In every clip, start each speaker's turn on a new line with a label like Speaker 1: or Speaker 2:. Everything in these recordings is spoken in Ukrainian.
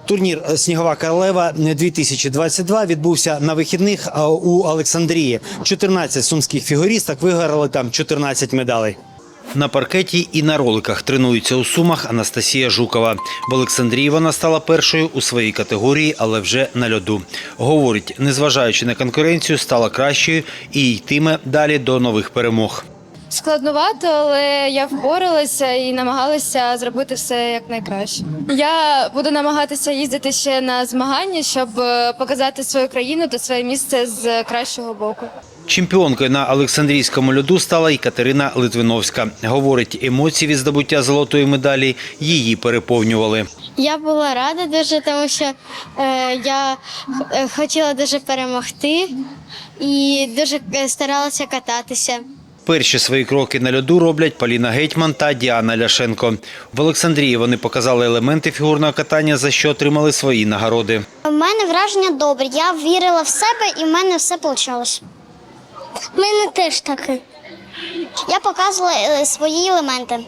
Speaker 1: Турнір «Снігова королева-2022» відбувся на вихідних у Олександрії. 14 сумських фігуристок виграли там 14 медалей. На паркеті і на роликах тренується у Сумах Анастасія Жукова. В Олександрії вона стала першою у своїй категорії, але вже на льоду. Говорить, незважаючи на конкуренцію, стала кращою і йтиме далі до нових перемог.
Speaker 2: Складновато, але я впоралася і намагалася зробити все якнайкраще. Я буду намагатися їздити ще на змагання, щоб показати свою країну та своє місце з кращого боку.
Speaker 1: Чемпіонкою на Олександрійському льоду стала і Катерина Литвиновська. Говорить, емоції від здобуття золотої медалі її переповнювали.
Speaker 3: Я була рада дуже, тому що я хотіла дуже перемогти і дуже старалася кататися.
Speaker 1: Перші свої кроки на льоду роблять Поліна Гетьман та Діана Ляшенко. В Олександрії вони показали елементи фігурного катання, за що отримали свої нагороди.
Speaker 3: У мене враження добре. Я вірила в себе і в мене все вийшло. У мене теж таке. Я показувала свої елементи.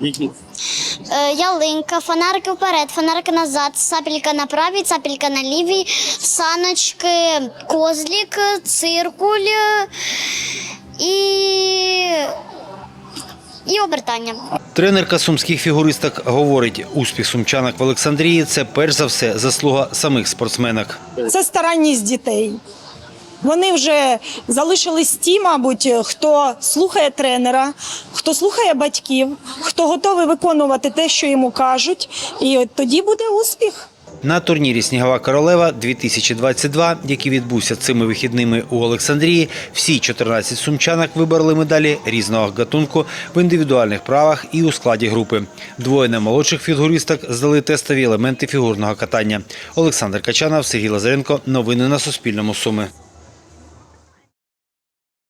Speaker 3: Ялинка, фонарики вперед, фонарики назад, сапелька на правій, сапелька на лівій, саночки, козлик, циркуль і обертання.
Speaker 1: Тренерка сумських фігуристок говорить, успіх сумчанок в Олександрії – це перш за все заслуга самих спортсменок.
Speaker 4: Це старанність дітей. Вони вже залишились ті, мабуть, хто слухає тренера, хто слухає батьків, хто готовий виконувати те, що йому кажуть, і тоді буде успіх.
Speaker 1: На турнірі «Снігова королева-2022», який відбувся цими вихідними у Олександрії, всі 14 сумчанок вибороли медалі різного гатунку в індивідуальних правах і у складі групи. Двоє наймолодших фігуристок здали тестові елементи фігурного катання. Олександр Качанов, Сергій Лазаренко. Новини на Суспільному. Суми.